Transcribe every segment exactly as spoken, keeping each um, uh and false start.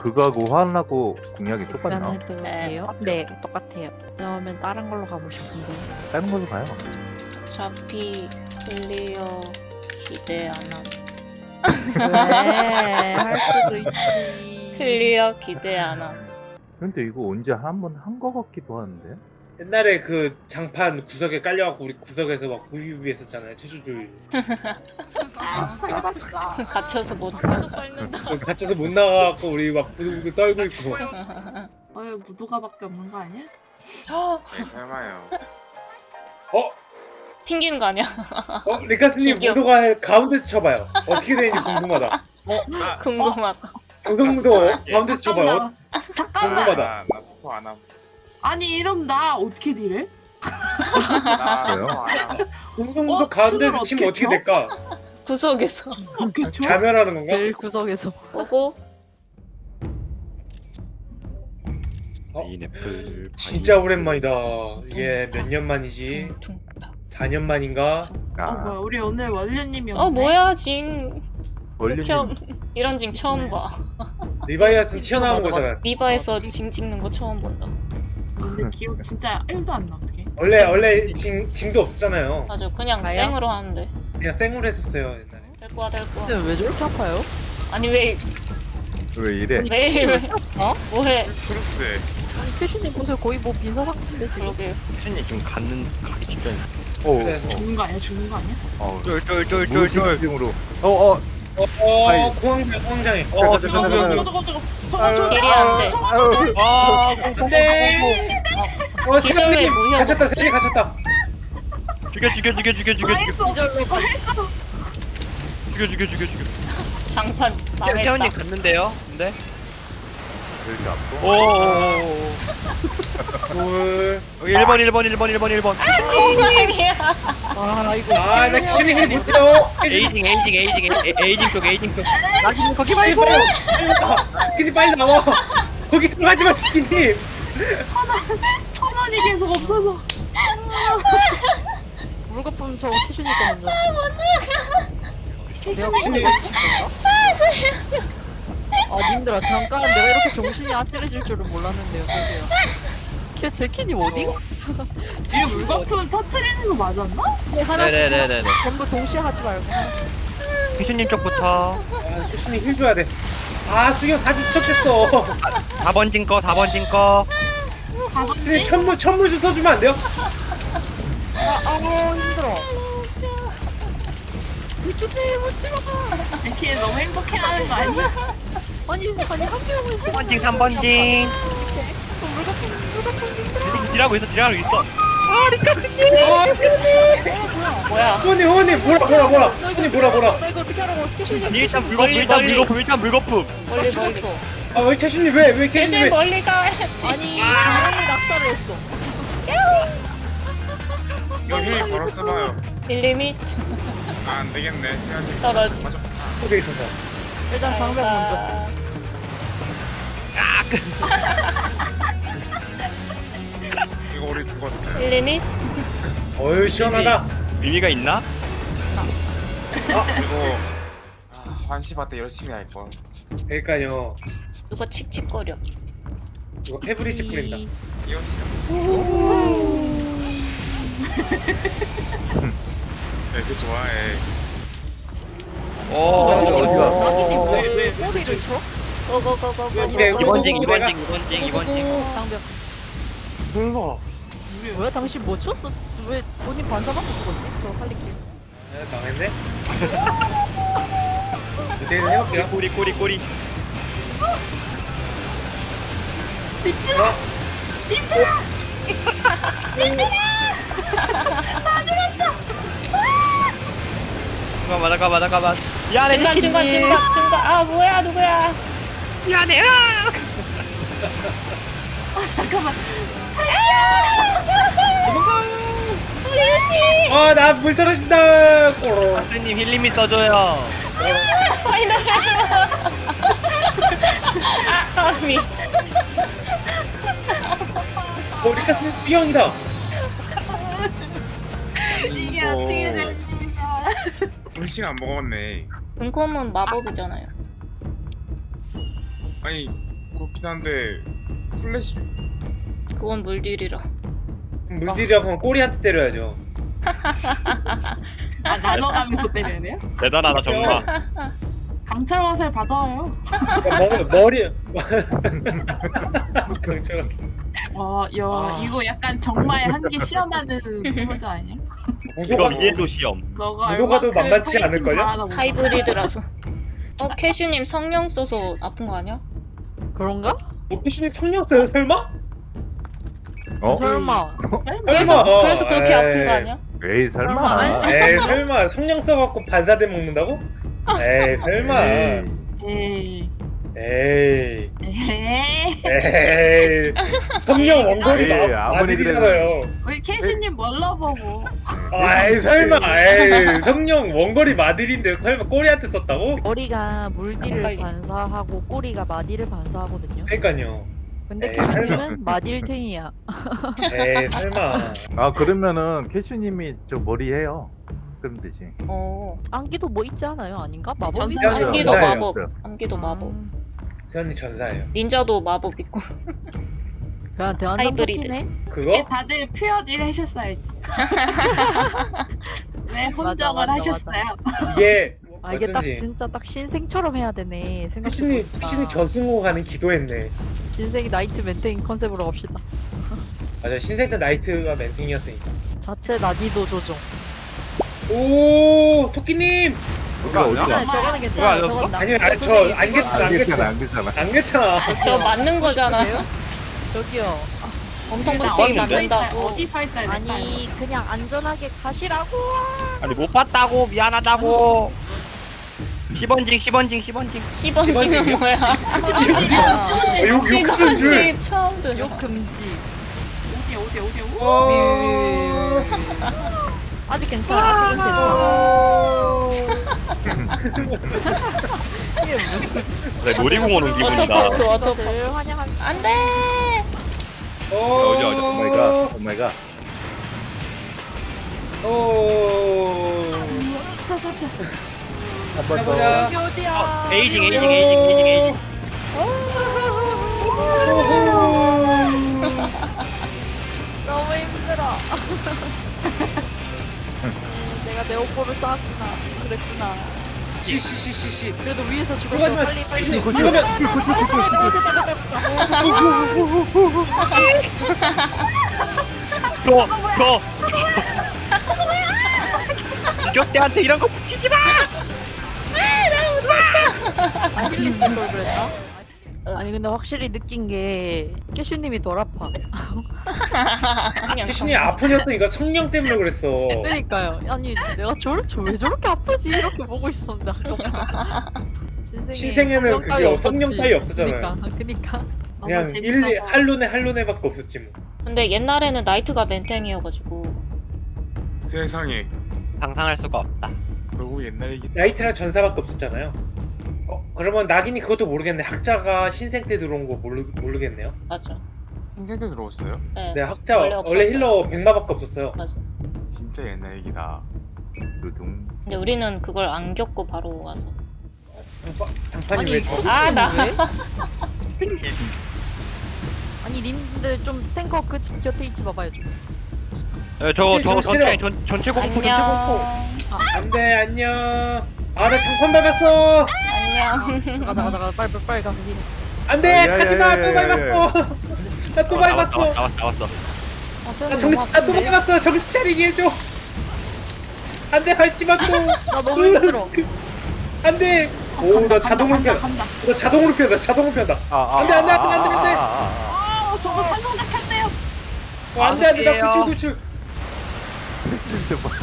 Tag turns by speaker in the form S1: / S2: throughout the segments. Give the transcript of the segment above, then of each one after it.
S1: 그거하고 화나고 공략이 똑같나?
S2: 해도 돼요? 네, 똑같아요. 그러면 다른 걸로 가고 싶은데.
S1: 다른 걸로 가요.
S3: 어차피 클리어 기대 안 함.
S2: 왜? 할 수도 있지.
S3: 클리어 기대 안 함.
S1: 근데 이거 언제 한 번 한 거 같기도 하는데?
S4: 옛날에 그 장판 구석에 깔려갖고 우리 구석에서 막 부비부비 했었잖아요. 체조줄.
S2: 해봤어.
S3: 갇혀서 못 계속 밟는다.
S4: 갇혀서 못 나가갖고 우리 막 부비부비 떨고 있고.
S5: 어, 무도가밖에 없는 거 아니야?
S6: 네, 설마요.
S4: 어?
S3: 튕기는 거 아니야?
S4: 어? 리카스님
S3: 기교.
S4: 무도가 가운데서 쳐봐요. 어떻게 되는지 궁금하다.
S6: 나,
S3: 궁금하다.
S4: 강성무도 가운데서 쳐봐요.
S5: 잠깐만. 잠깐만.
S4: 궁금하다.
S6: 나, 나 스포 안 함.
S5: 아니 이러면 나 어떻게 딜해?
S6: 나
S1: 왜요?
S6: 스포 안 함.
S4: 공성무도
S5: 어?
S4: 가운데서
S5: 춤을
S4: 치면
S5: 어떻게
S4: 어떻게 될까?
S3: 구석에서
S5: 어떻게 쳐?
S4: 자멸하는 건가?
S2: 제일 구석에서.
S3: 보고
S7: 파인애플
S4: 진짜 오랜만이다. 이게 몇 년 만이지?
S3: 퉁퉁.
S4: 사 년 만인가?
S5: 어 뭐야
S1: 아,
S5: 우리 오늘 원래님이 없네.
S3: 어 뭐야 징.
S1: 원리님
S3: 처음 이런 징 처음 봐.
S4: 리바이아스는 튀어나온
S2: 맞아, 맞아.
S4: 거잖아.
S3: 리바에서 징 찍는 거 처음 본다.
S5: 근데 기억 진짜 일도 안 나 어떻게?
S4: 원래 원래 징, 징도 없었잖아요.
S3: 맞아 그냥
S2: 가요?
S3: 생으로 하는데.
S4: 그냥 생으로 했었어요 옛날에.
S3: 될 거야 될 거야.
S2: 근데 왜 저렇게 아파요?
S3: 아니 왜
S1: 왜 이래?
S3: 왜 왜?
S2: 어?
S3: 뭐해?
S6: 크루스.
S2: 아니 큐슈님 보세요. 거의 뭐 빈사 상태인데 지금.
S3: 그러게요.
S7: 혜진이 좀 갖는 가기 직전.
S1: 오,
S4: 그래.
S5: 죽는 거 아니야? 죽는 거 아니야?
S1: 어,
S7: 쫄쫄쫄쫄쫄.
S1: 무식증으로. 어, 어,
S4: 어, 어
S1: 아이.
S4: 공황장 공황장애.
S1: 어,
S4: 어,
S1: 잠깐,
S4: 저거,
S1: 잠깐,
S4: 저거,
S5: 저거 저거
S4: 아유,
S5: 저거
S3: 길이 안 돼.
S1: 아유,
S7: 아,
S4: 안돼. 어,
S3: 기절의
S4: 세상님
S3: 무효.
S4: 갇혔다. 세상님 갇혔다.
S7: 죽여 죽여 죽여 죽여 죽여 죽여
S5: 했어.
S2: 이절로
S5: 했어.
S7: 죽여 죽여 죽여 죽여.
S3: 장판 망했다.
S7: 태연이 갔는데요. 근데.
S1: 이렇게 아파?
S7: 오오오.
S4: 둘.
S7: 여기 일 번 일 번 일 번 일 번 일 번.
S3: 공룡이야.
S2: 아 이거.
S4: 아, 나 키슈님 힐 못해요.
S7: 에이징 에이징 에이징 에이- 에이징 쪽 에이징 쪽. 나기는 거기
S4: 빨리
S7: 말고.
S4: 빨리. 스키니 빨리 나와. 거기 들어가지 마, 스키니.
S5: 천 원이 계속 없어서.
S2: 물거품 저 큐슈님 거 먼저. 내가
S4: 큐슈님.
S2: 그거 칠 건가? 아 님들아 잠깐 내가 이렇게 정신이 아찔해질 줄은 몰랐는데요. 저기요. 걔 제키님 어디?
S5: 지금 물거품 터트리는 거 맞았나?
S2: 네, 하나씩
S7: 네네네네.
S2: 전부 동시에 하지 말고 하나씩.
S7: 휘수님 쪽부터.
S4: 아, 큐슈님 힐 줘야 돼. 아, 수경 사진 척했어.
S7: 사 번 진 거, 사 번 진 거.
S4: 근데 천무 천무 좀 써주면 안 돼요?
S2: 아, 아우 힘들어. 제키님 웃지 마.
S5: 이렇게 너무 행복해하는 거 아니야?
S2: 아니 아니 한 명을
S7: 사 번 징, 삼 번 징.
S2: 물거품 물거품
S7: 딜하고 있어, 딜하고 있어.
S3: 뭐야?
S4: 후원님 후원님 뭐라 뭐라 뭐라. 후원님 뭐라 뭐라.
S2: 나 이거 어떻게 하라고 스케줄이
S7: 아니, 일단 물거품,
S3: 멀리,
S7: 일단
S3: 멀리.
S7: 물거품, 일단 물거품.
S3: 멀리 멀리.
S2: 죽었어.
S4: 아, 왜 캐슈님 왜 왜 캐슈님
S3: 대신
S4: 왜?
S3: 멀리 가야지.
S2: 아니 당연히 낙사를 했어.
S6: 이거 힐 바로 써봐요.
S3: 릴리밋
S6: 아, 안 되겠네. 시간이
S3: 떨어지.
S6: 맞아.
S4: 속에 있어서.
S2: 일단 장벽 먼저.
S6: 이거 우리 죽었어.
S3: 릴리밋
S4: 어유 시원하다.
S7: 의미가 있나?
S6: 이거 아, 환시바 때 열심히 할 걸.
S4: 그러니까요.
S3: 누가 칙칙거려.
S4: 이거 페브리즈 뿌린다.
S6: 이거 싫어. 네, 그 좋아해.
S7: 오.
S1: 어디가?
S2: 낙이님
S5: 왜, 왜,
S2: 왜 꼬리를 쳐?
S3: 고고고고고.
S4: 네,
S7: 이번 징, 이번
S4: 내가-
S7: 징, 이번 징, 이번 징.
S2: 장벽.
S4: 설마.
S2: 왜 당신 뭐 쳤어? 왜 본인 반사받고 죽었지? 저 살릴게요.
S4: 아, 망했네. 이대로 해볼게요.
S7: 꼬리, 꼬리, 꼬리.
S4: 어?
S7: 잠깐만, 잠깐만, 잠깐만. 미안해,
S3: 중간 중간
S7: 혜진님.
S3: 중간 중간. 아 뭐야 누구야?
S7: 미안해. 아!
S5: 잠깐만.
S3: 우리지.
S4: 아, 나 물 떨어진다. 꼬로.
S7: 선생님 힐림이 써줘요.
S3: 파이널. 아 까미.
S4: 어, 리카스는 수경이다.
S5: 이게 어떻게 되는 거야?
S6: 음식 안 먹었네.
S3: 은콤은 마법이잖아요.
S6: 아니 그렇긴 한데 플래시
S3: 그건 물딜이라.
S4: 물질이라고 하면 꼬리한테 때려야죠.
S5: 아 나눠가면서 때려야 돼요?
S7: 대단하다 정말.
S5: 강철 화살 받아요.
S4: 그러니까 머, 머리 강철
S5: 와, 야
S4: 아.
S5: 이거 약간 정말 한 개 시험하는 소설자 아니야?
S7: 이거
S4: 무도가
S7: 이해도 시험.
S5: 너가
S4: 무도가도
S5: 얼마큼
S4: 만만치
S5: 파이팅
S4: 않을걸요?
S5: 잘하나 보다.
S3: 하이브리드라서. 어 캐슈님 성령 써서 아픈 거 아니야?
S2: 그런가?
S4: 뭐 피슈님 성령 써요 설마?
S1: 어?
S2: 설마.
S3: 그래서
S4: 설마.
S3: 그래서 그렇게
S4: 에이.
S3: 아픈 거 아니야?
S1: 에이 설마.
S4: 에이 설마 성령 써갖고 반사대 먹는다고? 에이 설마.
S1: 에이.
S5: 에이,
S4: 에이
S5: 에이.
S4: 에이 성령 원거리
S1: 에이,
S4: 마-
S1: 아무리
S4: 마들이잖아요.
S5: 우리 캐시님 뭘로 보고?
S4: 아이 설마 에이 성령 원거리 마들인데 설마 꼬리한테 썼다고?
S8: 머리가 물디를
S3: 헷갈리.
S8: 반사하고 꼬리가 마디를 반사하거든요.
S4: 그러니까요.
S8: 근데
S4: 에이,
S8: 캐슈님은 마딜탱이야.
S4: 에이 설마.
S1: 아 그러면은 캐슈님이 저 머리 해요. 그럼 되지.
S3: 어.
S8: 안기도 뭐 있지 않아요? 아닌가? 마법이
S5: 전사-
S4: 전사예요.
S3: 안기도
S4: 전사예요.
S3: 마법. 안기도 마법.
S8: 음,
S4: 태연이 전사예요.
S3: 닌자도 마법 있고.
S8: 그냥 대환장
S3: 하이브리드.
S8: 파티네.
S4: 그거?
S5: 다들 퓨어딜 하셨어야지. 네, 혼정을
S8: 맞아,
S5: 하셨어요.
S4: 이게
S8: 아 이게 딱
S4: 어쩐지
S8: 진짜 딱 신생처럼 해야 되네.
S4: 피슈님
S8: 생각해보니까
S4: 피슈님 저승호 가는 기도했네.
S8: 신생이 나이트 멘테인 컨셉으로 갑시다.
S4: 맞아 신생 때 나이트가 멘팅이었으니까.
S8: 자체 난이도 조정.
S4: 오 토끼님.
S1: 어디가 어디가?
S8: 네, 저거는 괜찮아요.
S7: 아니었어?
S8: 저건
S4: 아니요,
S8: 남자
S4: 아니, 저
S8: 선생님이
S4: 안 괜찮아, 안
S1: 안
S4: 괜찮아.
S1: 괜찮아 안 괜찮아.
S4: 안 괜찮아.
S3: 저 맞는 거잖아.
S8: 저기요.
S3: 엄청
S5: 나
S3: 벌칙이
S5: 어디
S3: 맞는다고.
S5: 어디 발사해?
S8: 아니 그냥 안전하게 가시라고.
S7: 아니 못 봤다고 미안하다고. 십 원징 십 원징 십 원징.
S3: 십 원씩은 뭐야?
S4: 어, 욕 욕하는
S3: 십
S4: 줄.
S3: 원씩 처음 듣는.
S8: 욕 금지.
S5: 어디 어디 어디 어디?
S4: 어...
S8: 아직 괜찮아. 아직은 괜찮아.
S7: 네, 놀이공원 온 기분이다.
S3: 워터파크 워터파크.
S8: 그것을 환영합니다.
S3: 안돼.
S4: 어...
S7: 어디, 어디,
S1: 오 마이 갓. 오 마이 갓.
S4: 오...
S1: 한번
S4: 해보자.
S1: 더.
S8: 여기 어디야?
S7: 에이징 에이징 에이징 에이징 에이징.
S8: 너무 힘들어. 내가 내 옷보를 쌓았구나. 그랬구나.
S4: 시시시시시.
S8: 그래도 위에서 죽었어.
S4: 그거 하지 마.
S8: 빨리 빨리.
S4: 피슈님 그러면
S7: 저, 저. 이격대한테 이런 거 붙이지 마.
S8: 아힐리스 걸 그랬나? 아니 근데 확실히 느낀 게 깨슈님이 덜 아파.
S4: 피슈님 아프셨던 이거 성령 때문에 그랬어.
S8: 그러니까요. 아니 내가 저를 왜 저렇게 아프지 이렇게 보고 있었는데 아까
S4: 신생에는 그게 성령 따위 없었잖아요.
S8: 그니까 그니까.
S4: 그냥 일리 할로네 할로네밖에 없었지 뭐.
S3: 근데 옛날에는 나이트가 멘탱이어가지고.
S6: 세상에
S7: 상상할 수가 없다.
S6: 너무 옛날 얘기.
S4: 나이트랑 전사밖에 없었잖아요. 어 그러면 낙인이 그것도 모르겠네. 학자가 신생 때 들어온 거 모르 모르겠네요.
S3: 맞아.
S6: 신생 때 들어왔어요?
S3: 네.
S4: 네 학자
S3: 원래
S4: 원래,
S3: 없었어요.
S4: 힐러 백마밖에 없었어요.
S3: 맞아.
S6: 진짜 옛날 얘기다.
S1: 두둥.
S3: 근데 우리는 그걸 안 겪고 바로 와서.
S4: 장파, 장판이 왜 저?
S3: 아 나.
S8: 아니 님들 좀 탱커 그 곁에 있지 마봐요 좀.
S7: 에, 저거
S4: 좀
S7: 저거
S4: 싫어.
S7: 전체 전 전체 공포 전체 공포.
S3: 안녕.
S4: 안돼 안녕. 아 나 장판 밟았어.
S3: 안녕.
S8: 잠깐 잠깐 잠깐 빨리 빨리, 빨리 가서 힐.
S4: 안돼
S1: 야, 야,
S4: 가지마
S1: 야,
S4: 또
S1: 야, 야,
S4: 밟았어. 나 또
S7: 나왔어
S4: 밟았어.
S7: 나왔어 나왔어.
S8: 아
S4: 나
S8: 세연이 너무
S4: 정신 나또
S8: 아픈데?
S4: 밟았어. 정신 차리게 해줘. 안돼 밟지마 또.
S8: 나 너무 힘들어.
S4: 안돼. 오나 자동으로 펴.
S5: 간다.
S4: 나 자동으로 펴다. 자동으로 펴다.
S1: 아,
S4: 안 돼, 안 돼, 안 돼, 안 돼, 안 돼.
S5: 아 저거 산성작 켰대요.
S4: 어, 안돼 안돼 나
S7: 아무튼
S4: 구출 구출.
S1: 진짜 뭐.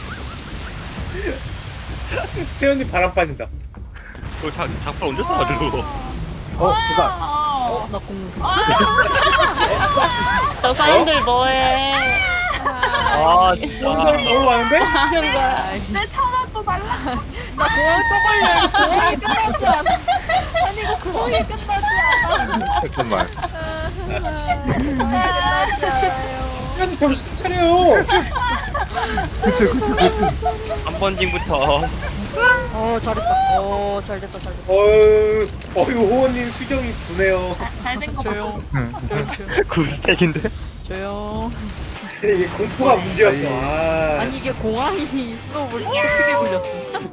S4: 태연이 바람 빠진다.
S7: 저 장, 장판 언제 써가지고.
S1: 어, 그가.
S5: 어.
S8: 나 공.
S3: 저 사람들 뭐해?
S7: 아 진짜.
S4: 너무 많은데?
S3: 하는 거야.
S5: 내 천원 또 달라.
S8: 나 공항 떠벌려. 공항이 끝나지 않아. 아니 이거 공항이 끝나지 않아.
S1: 잠깐만.
S8: 끝나지 않아요.
S4: 태연이 정신 차려요.
S1: 그쵸 그쵸 그쵸.
S7: 한 번징부터.
S2: 어 잘했다. 어 잘됐다 잘됐다.
S4: 어유, 어유 호원님 수정이 두네요.
S5: 잘된 거 봐.
S2: 조용.
S1: 응.
S2: 조용 조용.
S7: 구스택인데?
S2: 조용.
S4: 이게 공포가 문제였어. 아,
S2: 아니 이게 공항이 스노우볼 진짜 크게 굴렸어.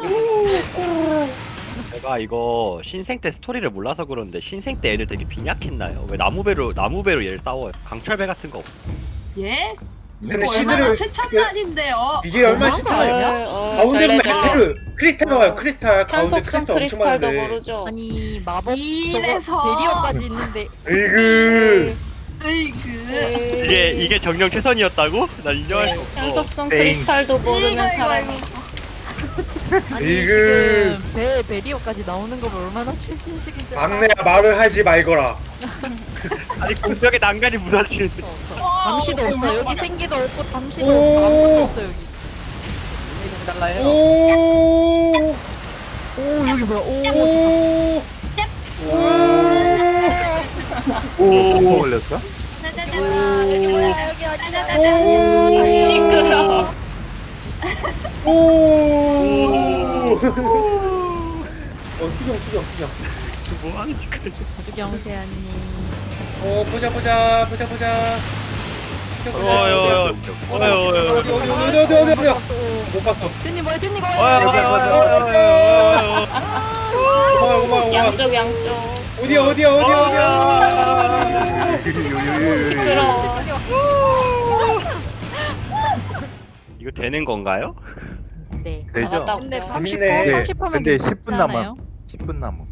S7: 제가 이거 신생 때 스토리를 몰라서 그런데 신생 때 애들 되게 빈약했나요? 왜 나무배로 나무배로 얘를 싸워요? 강철배 같은 거 없-
S5: 예?
S4: 근데
S5: 이거 얼마나
S4: 시드를-
S5: 최첨단인데요.
S4: 이게 얼마나
S2: 뭐한 거
S4: 쉽다.
S2: 아니야?
S8: 어,
S4: 가운데로
S8: 절레절레.
S4: 메테르 크리스탈 나와요. 크리스탈 가운데
S8: 편속성
S4: 크리스탈 엄청
S8: 크리스탈도
S4: 많은데.
S8: 모르죠.
S2: 아니 마법
S5: 이래서.
S2: 저거 베리어까지 있는데
S4: 으이그.
S5: 으이그.
S7: 이게 이게 정령 최선이었다고? 난 인정할 수 없어.
S8: 편속성
S1: 땡.
S8: 크리스탈도
S5: 이거,
S8: 모르는
S5: 이거,
S8: 사람이.
S5: 이거.
S2: 아니
S4: 이그.
S2: 지금 배 베리어까지 나오는 거 얼마나 최신식인지 알아?
S4: 막내야 말을 하지 말거라.
S7: 아니 공격에 난간이 무너지는데.
S2: 잠시도 없어. 여기 생기도 없고 잠시도
S4: 오.
S2: 없고 아무것도 없어 여기.
S7: 달라요.
S4: 오.
S2: 오 여기 뭐야? 오.
S4: 오.
S1: 오 걸렸어?
S5: 여기 뭐야? 여기 어디다?
S4: 오.
S8: 시끄러워.
S4: 오. 어, 수정, 수정, 수정.
S7: 뭐 하는 짓이야?
S2: 수경세아님.
S4: 어, 보자, 보자, 보자, 보자. 보자, 보자.
S7: 어여 어여 어여
S4: 어디, 어디, 어디, 어디, 어디, 어디, 어디. 못 봤어.
S2: 뜬니 뭐야? 뜬니
S7: 어여
S2: 뭐야?
S7: 어여 어여
S4: 고마워, 고마워, 고마워.
S8: 양쪽 양쪽.
S4: 어디야, 어디야, 어디야, 어디야.
S8: 시끄러워.
S7: 이거 되는 건가요?
S2: 네.
S1: 되죠?
S8: 나갔다
S2: 근데
S8: 올게요.
S2: 삼십
S4: 재밌네.
S2: 분
S1: 네,
S2: 삼십 하면
S1: 근데 십 분 남아.
S2: 괜찮아요?
S1: 십 분 남아.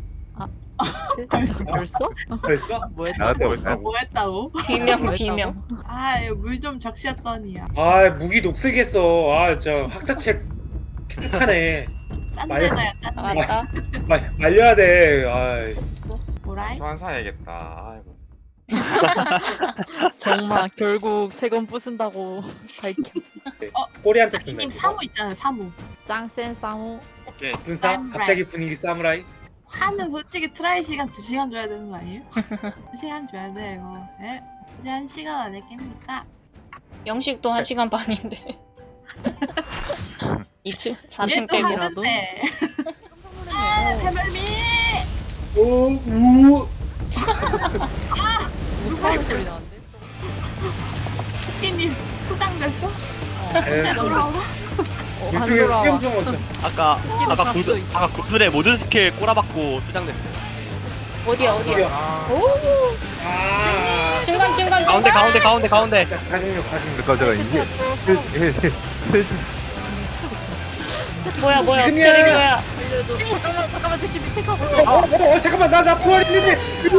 S2: 벌써?
S4: 벌써?
S2: 뭐했다?
S1: 나갔다 올까?
S5: 뭐 했다고?
S8: 비명 비명.
S5: 아, 물 좀 적시었더니야.
S4: 아, 무기 녹색했어. 아, 저 학자책 축축하네.
S5: 짠내나야, 짠내.
S8: 나갔다.
S4: 말, 말려야 돼. 아,
S5: 뭐라이?
S6: 소환 사야겠다. 아이고.
S2: 정말 결국 세 건 부순다고 밝혀.
S4: 꼬리한테 쓴다.
S5: 님 사무 있잖아요, 사무.
S2: 짱센 쌍우.
S6: 오케이.
S4: 분사? 갑자기 분위기 사무라이?
S5: 화는 솔직히 트라이 시간 두 시간 줘야 되는 거 아니에요? 두 시간 줘야 돼, 이거. 예? 이제 한 시간 안에 깹니까?
S8: 영식도 한 시간 반인데. 이층 사 층
S5: 얘도
S8: 깨기라도.
S5: 하는데. 아, 해멀미!
S4: 오, 우.
S2: 누가 소리 나는데?
S5: 토끼님 수장됐어?
S4: 에,
S5: 이제 돌아오라?
S2: 어, 안
S4: 이쪽에
S2: 돌아와.
S4: 수경성 왔어.
S7: 아까
S2: 토끼는
S7: 아까
S2: 봤어,
S7: 구슬
S2: 이제.
S7: 아까 구슬의 모든 스킬 꼬라박고 수장됐어요.
S8: 어디야 어디야.
S6: 아,
S4: 아.
S8: 중간 중간
S7: 가운데
S8: 중간.
S7: 가운데 가운데 가운데.
S4: 자, 가중력, 가중력.
S1: 잠깐 잠깐 이게
S8: 뭐야 뭐야 어떻게
S4: 그냥-
S8: 된 거야?
S2: 알려줘. 잠깐만 잠깐만 제키 밑에
S4: 어,
S2: 가보자.
S4: 어, 어, 잠깐만, 나, 나 부활 있는데.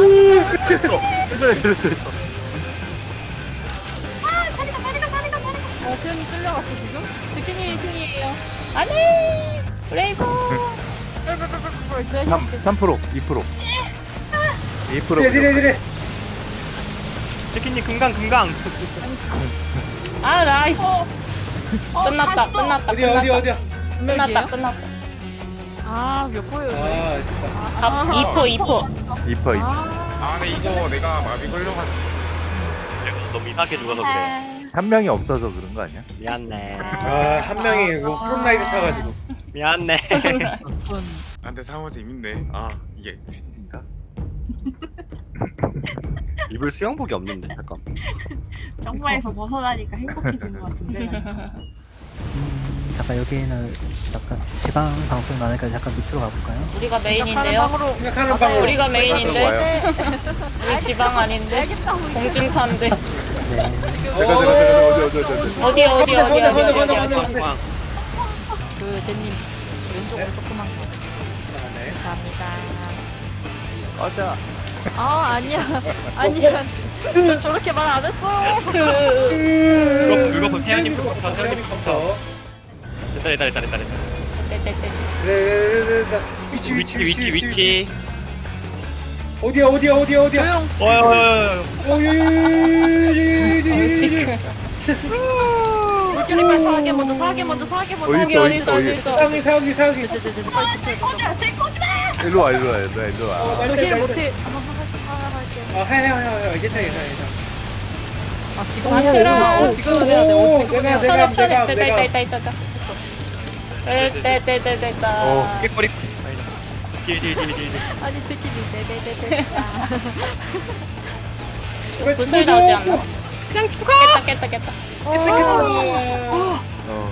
S2: 어 세연이 쓸려갔어 지금? 제키님이 승리예요.
S8: 안돼. 브레이브.
S1: 삼 삼 프로 이 프로 이 프로
S4: 레디, 레디, 레디.
S7: 치킨님 금강 금강.
S8: 아 나이씨.
S5: 어,
S8: 끝났다
S5: 갔어.
S8: 끝났다
S4: 어디야, 어디야,
S8: 끝났다.
S4: 어디야.
S8: 끝났다 끝났다.
S2: 아몇 포예요 저희?
S4: 아, 아쉽다.
S8: 갑 이포 이포.
S1: 이 퍼 이 퍼.
S2: 아,
S6: 아, 근데 이거 내가 마비 걸려가지고.
S7: 너무 이상하게 죽어서 그래.
S1: 한 명이 없어서 그런 거 아니야?
S7: 미안해.
S4: 아, 한 명이 뭐 프롬나이트 타가지고.
S7: 미안해.
S2: 분.
S6: 아, 근데 사무 재밌네. 아, 이게 퀴즈인가?
S7: 입을 수영복이 없는데 잠깐.
S5: 정부에서 벗어나니까 행복해진 것 같은데.
S9: 음, 잠깐 여기는 잠깐 지방 방송 나니까 잠깐 밑으로 가볼까요?
S8: 우리가
S2: 생각하는
S8: 메인인데요.
S2: 방으로
S4: 생각하는
S2: 맞아요.
S4: 방으로.
S8: 우리가 메인인데
S1: 와요.
S8: 우리 지방 아닌데 공중파인데.
S9: 네.
S1: 잠깐 잠깐 잠깐 어디 어디 어디 어디.
S8: 어디 어디 어디 어디 어디 어디 어디.
S7: 상황.
S2: 그 대님 왼쪽으로 조그만 거.
S4: 네.
S2: 감사합니다.
S1: 맞아.
S2: 아 아니야 아니야 저, 저 저렇게 말 안 했어.
S7: 그거 그거 본 태양님
S4: 태양님
S7: 컴퓨터 태양님 컴퓨터.
S4: 컴퓨터.
S7: 됐다 됐다 됐다 됐다.
S8: 떼떼떼.
S4: 네, 네, 네. 위치,
S7: 위치 위치 위치.
S4: 어디야, 어디야, 어디야, 어디야.
S2: 조용.
S7: 어여.
S4: 어이,
S8: 시크.
S2: 물결이 빨리 사하게 먼저 사하게 먼저 사하게 먼저.
S1: 어디
S8: 어디
S1: 있어,
S8: 어디
S1: 어디
S8: 있어 어디 있어.
S4: 사기, 사기, 사기.
S2: 제제제 빨리 집회 가자.
S1: 일로 와 일로 와 일로 와 일로 와.
S2: 저힐 못해.
S4: 아, 해, 해, 해, 해. 괜찮아, 괜찮아, 괜찮아.
S2: 아 지금
S8: 아,
S2: 해야
S8: 들어.
S2: 되나? 어 지금은 해야 돼. 어 지금은
S4: 내가,
S2: 해야 돼.
S4: 내가,
S8: 천에 천에
S4: 내가,
S8: 있다
S4: 내가.
S8: 있다 있다 있다.
S3: 떼떼떼떼떼.
S1: 어.
S7: 깨꼬리. 딜딜딜딜.
S8: 아니 제키님 네네네네.
S3: 구슬 나오지 않나? 그냥 죽어. 깼다 깼다 깼다.
S1: 어.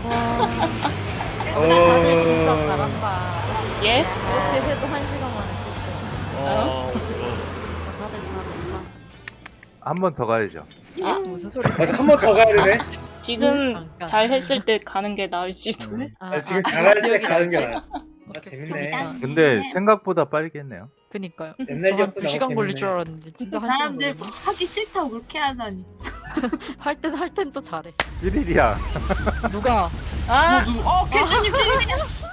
S8: 다들 진짜 잘한다.
S3: 예?
S8: 이렇게 해도 한 시간 만에 깼어요.
S7: 어.
S8: 다들 잘한다.
S1: 한 번 더 가야죠.
S3: 아,
S8: 무슨 소리?
S4: 맞아 한 번 더 가야 되네.
S3: 지금
S8: 잠깐.
S3: 잘 했을 때 가는 게 나을지도.
S1: 음.
S8: 아,
S4: 아, 지금
S8: 아,
S4: 잘할 때
S8: 기억이
S4: 가는 게
S8: 나지?
S4: 나아. 아 재밌네.
S8: 기억이
S1: 근데 생각보다 빠르겠네요.
S8: 그니까요.
S4: 옛날
S8: 저한
S4: 기억도
S8: 두 시간
S4: 나고
S8: 걸릴
S4: 재밌네.
S8: 줄 알았는데 진짜 한 시간
S5: 사람들
S8: 걸렸네.
S5: 하기 싫다고 그렇게 하다니.
S8: 할땐 할 땐 또 잘해.
S1: 찌릿이야.
S8: 누가
S3: 아,
S5: 누구? 어 캐슈님 찌르냐?